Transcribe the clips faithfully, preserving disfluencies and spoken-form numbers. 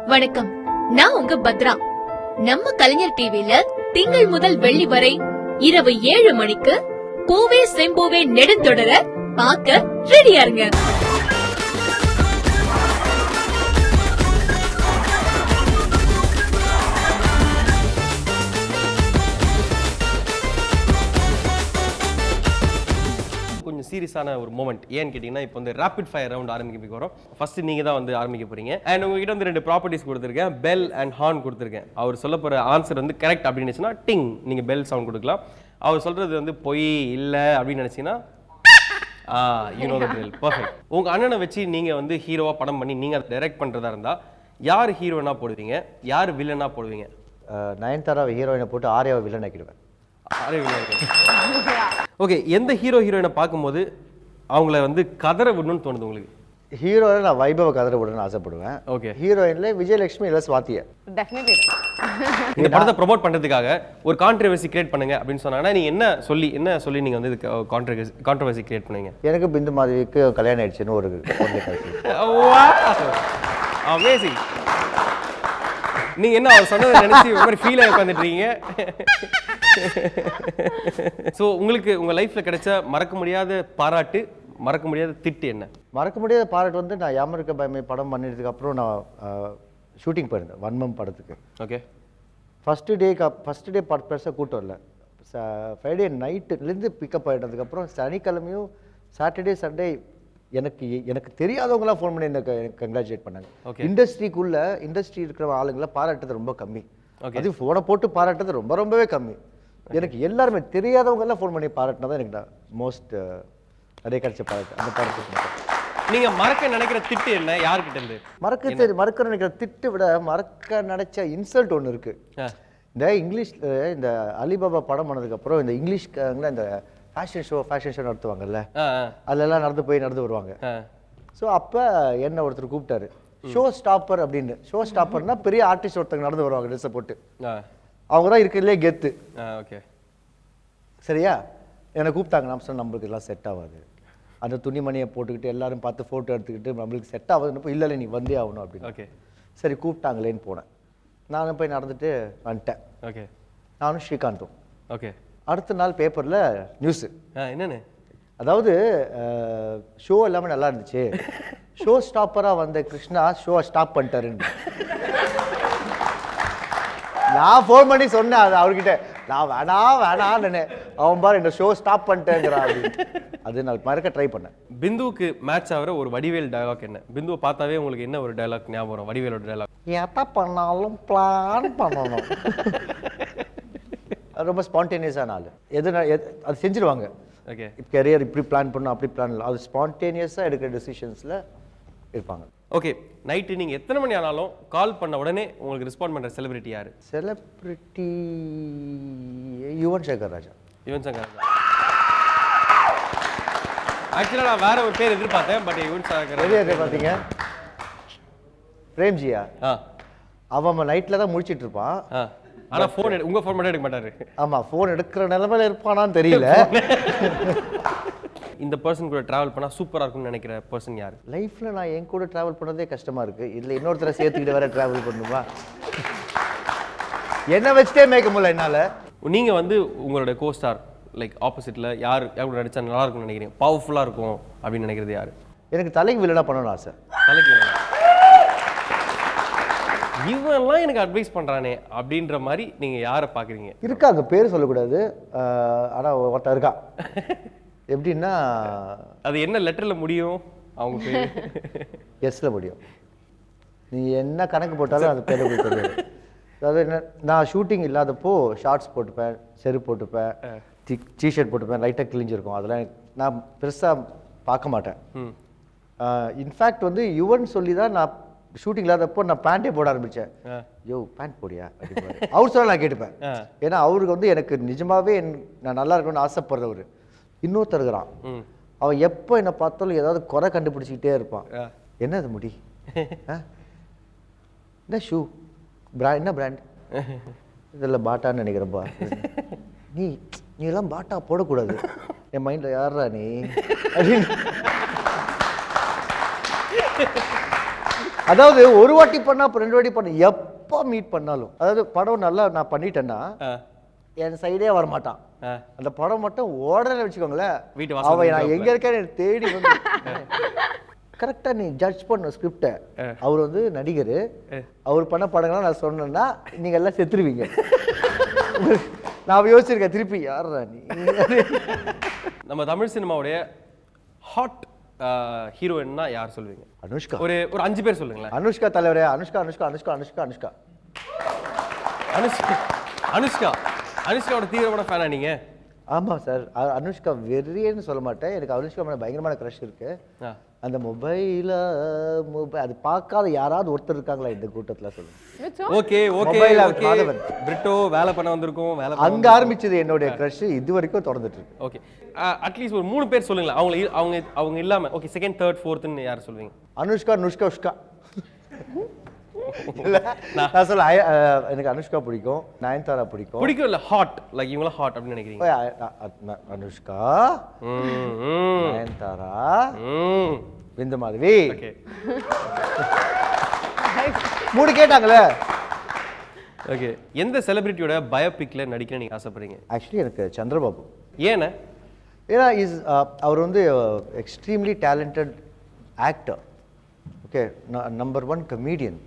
வணக்கம், நான் உங்க பத்ரா. நம்ம கலைஞர் டிவில திங்கள் முதல் வெள்ளி வரை இரவு ஏழு மணிக்கு பூவே செம்பூவே நெடுந்தொடர பார்க்க ரெடியா இருங்க. கொஞ்சம் சீரியஸான ஒரு மூமெண்ட். ஏன்னு கேட்டிங்கன்னா, இப்போ வந்து ரேபிட் ஃபயர் ரவுண்ட் ஆரம்பிக்க போகிறோம். ஃபர்ஸ்ட் நீங்கள் தான் வந்து ஆரம்பிக்க போகிறீங்க. அண்ட் உங்ககிட்ட வந்து ரெண்டு ப்ராப்பர்ட்டிஸ் கொடுத்துருக்கேன், பெல் அண்ட் ஹார்ன் கொடுத்துருக்கேன். அவர் சொல்ல போகிற ஆன்சர் வந்து கரெக்ட் அப்படின்னுச்சுன்னா டிங் நீங்கள் பெல் சவுண்ட் கொடுக்கலாம். அவர் சொல்கிறது வந்து பொய் இல்லை அப்படின்னு நினச்சிங்கன்னா ah you know the drill. Perfect. உங்கள் அண்ணனை வச்சு நீங்கள் வந்து ஹீரோவாக படம் பண்ணி நீங்கள் அதை டைரக்ட் பண்ணுறதா இருந்தால் யார் ஹீரோனாக போடுவீங்க, யார் வில்லனாக போடுவீங்க? நயன்தாரா ஹீரோயினை போட்டு ஆர்யாவை வில்லன் ஆக்கிடுவேன். ஓகே, எந்த ஹீரோ ஹீரோயினை பார்க்கும்போது அவங்கள வந்து கதற விடணும்னு தோணுது உங்களுக்கு? ஹீரோயில நான் வைபவ கதற விடணும்னு ஆசைப்படுவேன். ஓகே. ஹீரோயின்ல விஜயலட்சுமி இல்லை சுவாத்தியா. டெஃபினெட்லி. இந்த படத்தை ப்ரோமோட் பண்றதுக்காக ஒரு கான்ட்ரோவர்சி கிரியேட் பண்ணுங்க அப்படின்னு சொன்னாங்கன்னா நீங்க என்ன சொல்லி என்ன சொல்லி நீங்க வந்து கான்ட்ரோவர்சி கான்ட்ரோவர்சி கிரியேட் பண்ணுவீங்க? எனக்கு பிந்து மாதவிக்கு கல்யாணம் ஆயிடுச்சுன்னு ஒரு அமேசிங். நீங்க என்ன அவர் சொன்னதை நினைச்சு ஒரு மாதிரி ஃபீல் ஆகி உட்காந்துட்டு இருக்கீங்க. ஸோ உங்களுக்கு உங்க லைஃப்ல கிடைச்ச மறக்க முடியாத பாராட்டு, மறக்க முடியாத திட்டு என்ன? மறக்க முடியாத பாராட்டு வந்து நான் யாமருக்க பயமே படம் பண்ணிட்டதுக்கு அப்புறம் நான் ஷூட்டிங் போயிருந்தேன் வன்மம் படத்துக்கு. Okay. First day first day படம் பெருசாக கூட்டம் இல்லை. ஃப்ரைடே நைட்டுலேருந்து பிக்கப் ஆகிட்டதுக்கப்புறம் சனிக்கிழமையும் சாட்டர்டே சண்டே எனக்கு எனக்கு தெரியாதவங்களாம் ஃபோன் பண்ணி எனக்கு கங்க்ராச்சுலேட் பண்ணாங்க. இண்டஸ்ட்ரிக்குள்ள இண்டஸ்ட்ரி இருக்கிற ஆளுங்களை பாராட்டுறது ரொம்ப கம்மி. அது ஃபோனை போட்டு பாராட்டுறது ரொம்ப ரொம்பவே கம்மி. எனக்கு எல்லாருமே தெரியாதவங்க எல்லாம் ஃபோன் பண்ணி பாராட்டினா தான் எனக்கு மோஸ்ட் நிறைய கிடைச்ச பாராட்டு அந்த பாராட்டு. நீங்க மறக்க நினைக்கிற திட்டு என்ன, யார்கிட்ட இருந்து? மறக்க தெரி மறக்க நினைக்கிற திட்டு விட மறக்க நினைச்ச இன்சல்ட் ஒன்று இருக்கு. இந்த இங்கிலீஷ்ல இந்த அலிபாபா படம் பண்ணதுக்கு அப்புறம் இந்த இங்கிலீஷ்காரங்கள இந்த ஃபேஷன் ஷோ ஃபேஷன் ஷோ நடத்துவாங்கல்ல, அதெல்லாம் நடந்து போய் நடந்து வருவாங்க. ஸோ அப்போ என்ன ஒருத்தர் கூப்பிட்டாரு ஷோ ஸ்டாப்பர் அப்படின்னு. ஷோ ஸ்டாப்பர்னா பெரிய ஆர்டிஸ்ட் ஒருத்தங்க நடந்து வருவாங்க ட்ரெஸ்ஸை போட்டு. அவங்க தான் இருக்கிறதுலே கெத்து. ஓகே சரியா? என்னை கூப்பிட்டாங்க. நான் சொன்ன நம்மளுக்கு எல்லாம் செட் ஆகாது, அந்த துணிமணியை போட்டுக்கிட்டு எல்லாரும் பார்த்து ஃபோட்டோ எடுத்துக்கிட்டு நம்மளுக்கு செட் ஆகுதுன்னு இல்லை இல்லை நீ வந்தே ஆகணும் அப்படின்னு. ஓகே சரி கூப்பிட்டாங்களேன்னு போனேன். நானும் போய் நடந்துட்டு வந்துட்டேன். ஓகே. நானும் ஸ்ரீகாந்தும். ஓகே. அடுத்த நாள் பேப்பரில் நியூஸு என்னன்னு, அதாவது ஷோ எல்லாமே நல்லா இருந்துச்சு, ஷோ ஸ்டாப்பராக வந்த கிருஷ்ணா ஷோ ஸ்டாப் பண்ணிட்டாருன்னு. நான் ஃபோன் பண்ணி சொன்னேன் அது அவர்கிட்ட, நான் வேணா வேணான்னு. அவன் பாரு இந்த ஷோ ஸ்டாப் பண்ணிட்டேங்கிறான் அப்படின்னு. அது நான் மறக்க ட்ரை பண்ணேன். பிந்துவுக்கு மேட்ச் ஆகிற ஒரு வடிவேல் டயலாக் என்ன? பிந்துவை பார்த்தாவே உங்களுக்கு என்ன ஒரு டயலாக் ஞாபகம் வரும்? வடிவேலோட டயலாக். எதை பண்ணாலும் பிளான் பண்ணணும். ரொம்ப ஸ்பான்டேனியஸான ஆள். எது அது செஞ்சிருவாங்க. ஓகே. கெரியர் இப்படி பிளான் பண்ணணும் அப்படி பிளான் இல்லை, அது ஸ்பான்டேனியஸாக எடுக்கிற டெசிஷன்ஸில் இருப்பாங்க. ஓகே. நைட்டு நீங்கள் எத்தனை மணி ஆனாலும் கால் பண்ண உடனே உங்களுக்கு ரெஸ்பாண்ட் பண்ணுற செலிபிரிட்டி யார்? செலிபிரிட்டி யுவன் சங்கர் ராஜா. யுவன் சங்கர் ராஜா. ஆக்சுவலாக நான் வேற ஒரு பேர் எதிர்பார்த்தேன், பட் யுவன் சங்கர் ராஜா பார்த்தீங்க. பிரேம்ஜியா? ஆ, அவன் நைட்டில் தான் முடிச்சிட்டு இருப்பான். ஆ, ஆனால் ஃபோன் எடு உங்கள் ஃபோன் மட்டும் எடுக்க மாட்டாரு. ஆமாம், ஃபோன் எடுக்கிற நிலைமையில இருப்பானான்னு தெரியல. இந்த பர்சன் கூட ட்ராவல் பண்ணால் சூப்பராக இருக்கும்னு நினைக்கிற பர்சன் யார்? லைஃப்பில் நான் என் கூட ட்ராவல் பண்ணதே கஷ்டமாக இருக்குது, இதில் இன்னொருத்தரை சேர்த்துக்கிட்டு வேற ட்ராவல் பண்ணுமா? என்ன வச்சுட்டே மேய்க்க முடியல என்னால். நீங்கள் வந்து உங்களோட கோஸ்டார் லைக் ஆப்போசிட்டில் யார் யார் கூட நடித்தா நல்லா இருக்கும்னு நினைக்கிறீங்க, பவர்ஃபுல்லாக இருக்கும் அப்படின்னு நினைக்கிறது யார்? எனக்கு தலைக்கு வில்லனா பண்ணணும்னு ஆசை. தலைக்கு வில்லனா? இவெல்லாம் எனக்கு அட்வைஸ் பண்ணுறானே அப்படின்ற மாதிரி நீங்கள் யாரை பார்க்குறீங்க? இருக்காங்க, பேர் சொல்லக்கூடாது, ஆனால் ஒருத்தர் இருக்கா. எப்படின்னா அது என்ன லெட்டரில் முடியும்? அவங்க பேர் எஸ்ல முடியும். நீ என்ன கணக்கு போட்டாலும் அது பேர் போய் தெரியாது. அதாவது என்ன, நான் ஷூட்டிங் இல்லாதப்போ ஷார்ட்ஸ் போட்டுப்பேன், செருப்பு போட்டுப்பேன், டிஷர்ட் போட்டுப்பேன், லைட்டாக கிழிஞ்சிருக்கும். அதெல்லாம் நான் பெருசாக பார்க்க மாட்டேன். இன்ஃபேக்ட் வந்து யுவன் சொல்லி தான் நான் ஷூட்டிங் இல்லாதப்போ நான் பேண்டே போட ஆரம்பித்தேன். யோ பேண்ட் போடியா அப்படின்னு அவர் சொல்ல நான் கேட்டுப்பேன். ஏன்னா அவருக்கு வந்து எனக்கு நிஜமாவே நான் நல்லா இருக்கணும்னு ஆசைப்படுறவர். இன்னொருத்தர் இருக்கிறான், அவன் எப்போ என்னை பார்த்தாலும் ஏதாவது குறை கண்டுபிடிச்சிக்கிட்டே இருப்பான். என்ன அது முடி, என்ன ஷூ பிராண்ட், என்ன பிராண்ட், இதெல்லாம் பாட்டான்னு நினைக்கிறப்பா. நீ நீ எல்லாம் பாட்டா போடக்கூடாது. என் மைண்டில் யாரா நீ அப்படின்னு அதாவது ஒரு வாட்டி பண்ணா அப்புறம் ரெண்டு வாட்டி பண்ண எப்போ மீட் பண்ணாலும் அதாவது படம் நல்லா நான் பண்ணிட்டேன்னா என் சைடே வர மாட்டான். அந்த படம் மட்டும் ஓடல வச்சுக்கோங்களேன், அவன் நான் எங்க இருக்கேன்னு எனக்கு தேடி வந்து கரெக்டா நீ ஜட்ஜ் பண்ண ஸ்கிரிப்டை. அவர் வந்து நடிகர், அவர் பண்ண படங்கள்லாம் நான் சொன்னேன்னா நீங்க எல்லாம் செத்துருவீங்க. நான் யோசிச்சிருக்கேன் திருப்பி யாரா நீ. நம்ம தமிழ் சினிமாவுடைய ஹாட் ஹீரோயின்னா யார் சொல்லுவீங்க? அனுஷ்கா. ஒரு ஒரு அஞ்சு பேர் சொல்லுங்களேன். அனுஷ்கா தலைவரே. அனுஷ்கா அனுஷ்கா அனுஷ்கா அனுஷ்கா அனுஷ்கா அனுஷ்கா அனுஷ்கா அனுஷ்காவோட தீவிரமான ஃபேனா நீங்க? ஆமாம் சார், அனுஷ்கா வெறியன்னு சொல்ல மாட்டேன், எனக்கு அனுஷ்கா மேலே பயங்கரமான க்ரஷ் இருக்கு. அந்த மொபைல மொபைல் அது பார்க்காத யாராவது ஒருத்தர் இருக்காங்களா இந்த கூட்டத்தில் சொல்லுங்க. Okay okay okay. பிரிட்டோ வேலை பண்ண வந்திருக்கோம், வேலை அங்க ஆரம்பிச்சது என்னுடைய க்ரஷ், இது வரைக்கும் தொடர்ந்துட்டு இருக்கு. ஓகே, அட்லீஸ்ட் ஒரு மூணு பேர் சொல்லுங்களேன். அவங்க அவங்க அவங்க இல்லாம ஓகே செகண்ட் தேர்ட் ஃபோர்த்னு யார் சொல்லுவீங்க? அனுஷ்கா நுஷ்கா உஷ்கா. நான் சொல்ல எனக்கு அனுஷ்கா பிடிக்கும், நயன்தாரா பிடிக்கும். பிடிக்கும் இல்ல ஹாட் லைக் இவங்கள ஹாட் அப்படின்னு நினைக்கிறீங்க? அனுஷ்கா, நயன்தாரா, விந்து மாதவி. ஓகே மூணு கேட்டாங்களே. ஓகே, எந்த செலிபிரிட்டியோட பயோபிக்ல நடிக்க நீங்க ஆசைப்படுறீங்க? ஆக்சுவலி எனக்கு சந்திரபாபு. ஏன்னா ஏன்னா இஸ் அவர் வந்து extremely talented actor. Okay, number one comedian.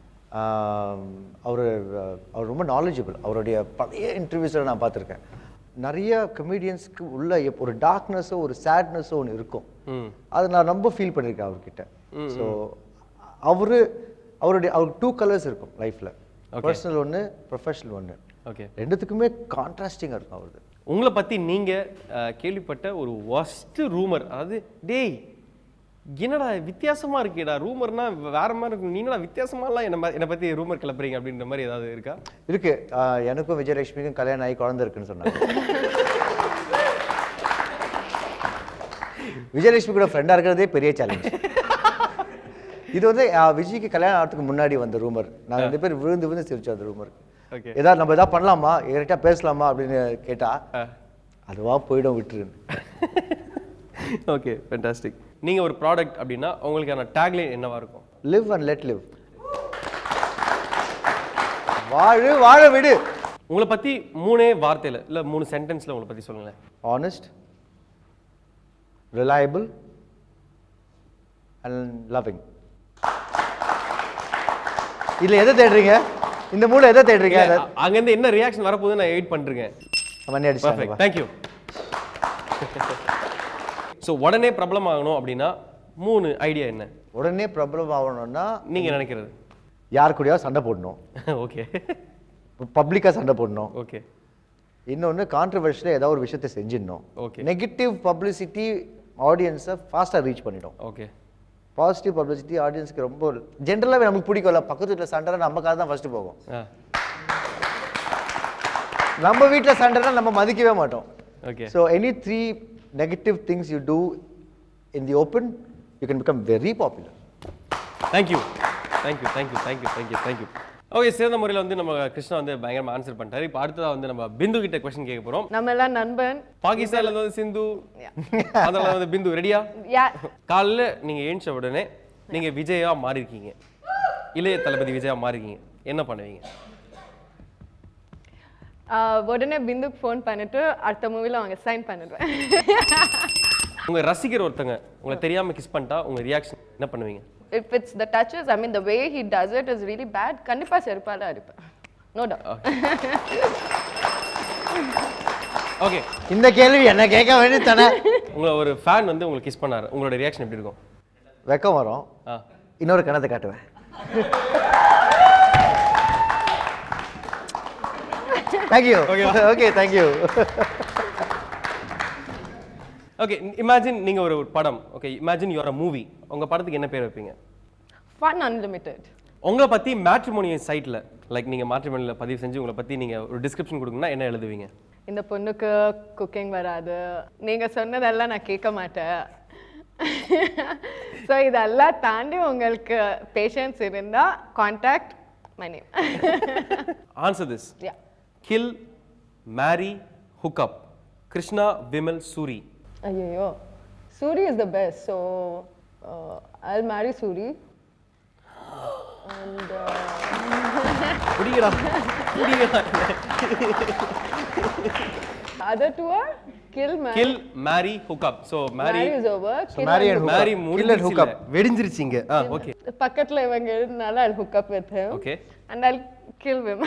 அவர் அவர் ரொம்ப நாலேஜபிள். அவருடைய பழைய இன்டர்வியூஸில் நான் பார்த்துருக்கேன். நிறைய கமீடியன்ஸ்க்கு உள்ள ஒரு டார்க்னஸோ ஒரு சேட்னஸோ ஒன்று இருக்கும், அதை நான் ரொம்ப ஃபீல் பண்ணியிருக்கேன் அவர்கிட்ட. ஸோ அவரு அவருடைய அவருக்கு டூ கலர்ஸ் இருக்கும் லைஃப்பில், பர்சனல் ஒன்று, ப்ரொஃபஷனல் ஒன்று. ஓகே, ரெண்டுத்துக்குமே கான்ட்ராஸ்டிங்காக இருக்கும் அவருக்கு. உங்களை பற்றி நீங்கள் கேள்விப்பட்ட ஒரு ஒஸ்ட் ரூமர், அதாவது டேய் என்னடா வித்தியாசமா இருக்கேடா, ரூமர்னா வேற மாதிரி இருக்கும், நீங்களா வித்தியாசமாலாம் என்ன என்னை பற்றி ரூமர் கிளப்புறீங்க அப்படின்ற மாதிரி ஏதாவது இருக்கா? இருக்கு. எனக்கும் விஜயலட்சுமிக்கும் கல்யாணம் ஆகி குழந்தை இருக்குன்னு சொன்னாங்க. விஜயலட்சுமி கூட ஃப்ரெண்டாக இருக்கிறதே பெரிய சேலஞ்ச். இது வந்து விஜய்க்கு கல்யாணம் ஆகிறதுக்கு முன்னாடி வந்த ரூமர். நாங்கள் ரெண்டு பேர் விழுந்து விழுந்து சிரிச்சோம் அந்த ரூமர். ஏதாவது நம்ம ஏதாவது பண்ணலாமா, கரெக்டாக பேசலாமா அப்படின்னு கேட்டா அதுவா போயிடும் விட்டுருன்னு. Okay, fantastic. நீங்கள் ஒரு ப்ராடக்ட் அப்படின்னா உங்களுக்கான டேக்லைன் என்னவா இருக்கும்? Live and let live. வாழு வாழ விடு. உங்களை பற்றி மூணே வார்த்தையில் இல்லை மூணு சென்டென்ஸில் உங்களை பற்றி சொல்லுங்களேன். Honest, reliable and loving. இதில் எதை தேடுறீங்க? இந்த மூணு எதை தேடுறீங்க? அங்கேருந்து என்ன ரியாக்ஷன் வரப்போகுது நான் வெயிட் பண்ணிருக்கேன். தேங்க்யூ. ஸோ உடனே பிரபலம் ஆகணும் அப்படின்னா மூணு ஐடியா என்ன? உடனே பிரபலம் ஆகணும்னா நீங்கள் நினைக்கிறது யார் கூடயாவது சண்டை போடணும். ஓகே, பப்ளிக்காக சண்டை போடணும். ஓகே, இன்னொன்று கான்ட்ரவர்ஷியலாக ஏதாவது ஒரு விஷயத்தை செஞ்சிடணும். ஓகே, நெகட்டிவ் பப்ளிசிட்டி ஆடியன்ஸை ஃபாஸ்ட்டாக ரீச் பண்ணிடும். ஓகே, பாசிட்டிவ் பப்ளிசிட்டி ஆடியன்ஸ்க்கு ரொம்ப ஜென்ரலாகவே நமக்கு பிடிக்கும்ல. பக்கத்து வீட்டில் சண்டைனா நமக்காக தான் ஃபர்ஸ்ட் போகும். நம்ம வீட்டில் சண்டைனா நம்ம மதிக்கவே மாட்டோம். Okay, so any three negative things you do in the open, you can become very popular. thank you thank you thank you thank you thank you thank you okay, சிறந்த முறையில் வந்து நம்ம கிருஷ்ணா வந்து பயங்கரமா ஆன்சர் பண்ணிட்டாரு. இப்போ அடுத்ததாக வந்து நம்ம பிந்து கிட்ட கொஸ்டின் கேட்க போறோம். நம்ம எல்லாம் நண்பன். பாகிஸ்தான்ல வந்து சிந்து, அதனால வந்து பிந்து. ரெடியா? காலைல நீங்க ஏஞ்ச உடனே நீங்க விஜயா மாறி இருக்கீங்க, இளைய தளபதி விஜயா மாறி இருக்கீங்க, என்ன பண்ணுவீங்க? உடனே பிந்துக்கு ஃபோன் பண்ணிட்டு அடுத்த மூவில அவங்க சைன் பண்ணிடுவேன். உங்க ரசிகர் ஒருத்தங்க உங்களை தெரியாம கிஸ் பண்ணிட்டா உங்க ரியாக்ஷன் என்ன பண்ணுவீங்க? If it's the touches, I mean the way he does it is really bad. கண்டிப்பா செருப்பால அடிப்பேன். No doubt. ஓகே, இந்த கேள்வி என்ன கேட்க வேண்டியது தானே. உங்களை ஒரு ஃபேன் வந்து உங்களுக்கு கிஸ் பண்ணாரு, உங்களோட ரியாக்ஷன் எப்படி இருக்கும்? வெக்கம் வரும், இன்னொரு கணத்தை காட்டுவேன். Thank you. Okay, okay, thank you. Okay, imagine நீங்க ஒரு படம். Okay, imagine you are a movie. உங்க படத்துக்கு என்ன பேர் வைப்பீங்க? Fun Unlimited. உங்களை பத்தி மேட்ரிமோனி சைட்ல லைக் நீங்க மேட்ரிமோனில பதிவு செஞ்சு உங்களை பத்தி நீங்க ஒரு டிஸ்கிரிப்ஷன் கொடுக்கணும்னா என்ன எழுதுவீங்க? இந்த பொண்ணுக்கு குக்கிங் வராது, நீங்க சொன்னதெல்லாம் நான் கேட்க மாட்டேன், ஸோ இதெல்லாம் தாண்டி உங்களுக்கு பேஷன்ஸ் இருந்தா contact my name. Answer this. Yeah. Kill, marry, hook up. Krishna, Vimal, Suri. ஐயோ, Suri is the best, so uh, I'll marry Suri. And புடிங்கடா புடிங்கடா other two are kill, marry. Kill marry hook up so marry Marry is over. So marry and hook marry up. Kill and முடிஞ்சிருச்சு hook up. வெடிஞ்சிருச்சிங்க ah okay பக்கத்துல இவங்க இருந்தால I'll hook up with him. Okay. And I'll kill him.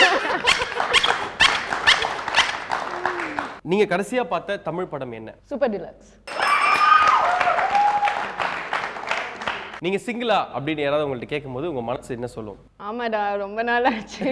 நீங்க கடைசியா பார்த்த தமிழ் படம் என்ன? Super Deluxe. நீங்க சிங்கிளா அப்படின்னு யாராவது உங்கள்ட்ட கேட்கும்போது உங்க மனசு என்ன சொல்லும்? ஆமாடா ரொம்ப நாள் ஆச்சு.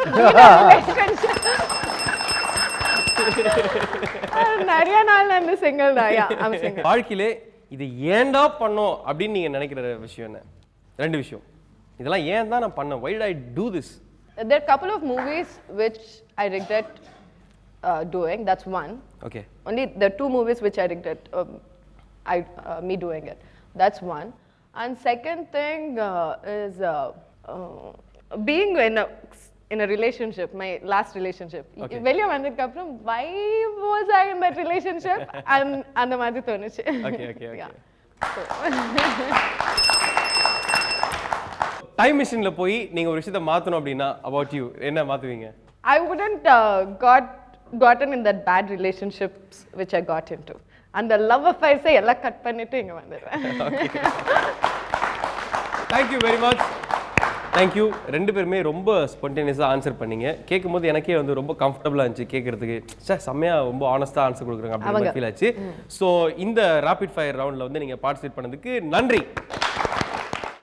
நிறைய நாள் நான் சிங்கிள் தான். Yeah I am single. வாழ்க்கையிலே இது ஏன்டா பண்ணோம் அப்படின்னு நீங்க நினைக்கிற விஷயம் என்ன? ரெண்டு விஷயம். இதெல்லாம் ஏன் தான் நான் பண்ணேன்? Why did I do this? There are a couple of movies which I regret uh, doing. That's one. Okay. Only the two movies which I regret um, I uh, me doing it. That's one. And second thing uh, is uh, uh, being in a in a relationship, my last relationship. Okay. வெளிய வந்ததுக்கு அப்புறம் why was I in that relationship? and அந்த மாதிரி தோணுச்சு. Okay, okay, okay. Yeah. Time மிஷின்ல போய் நீங்க ஒரு விஷயத்தை மாத்தணும் அப்படின்னா about you என்ன மாத்துவீங்க? I wouldn't uh, got gotten in that bad relationships which I got into. And the love affairs எல்லாம் கட் பண்ணிட்டு இங்க வந்துடுவேன். Thank you very much. Thank you. ரெண்டு பேருமே ரொம்ப ஸ்பான்டேனியஸாக ஆன்சர் பண்ணீங்க. கேட்கும்போது எனக்கே வந்து ரொம்ப கம்ஃபர்டபுளாக இருந்துச்சு கேட்கறதுக்கு. சார் செம்மையாக ரொம்ப ஆனஸ்ட்டாக ஆன்சர் கொடுக்குறாங்க அப்படின்னு ஃபீல் ஆச்சு. ஸோ இந்த ராபிட் ஃபயர் ரவுண்டில் வந்து நீங்கள் பார்ட்டிசிபேட் பண்ணதுக்கு நன்றி.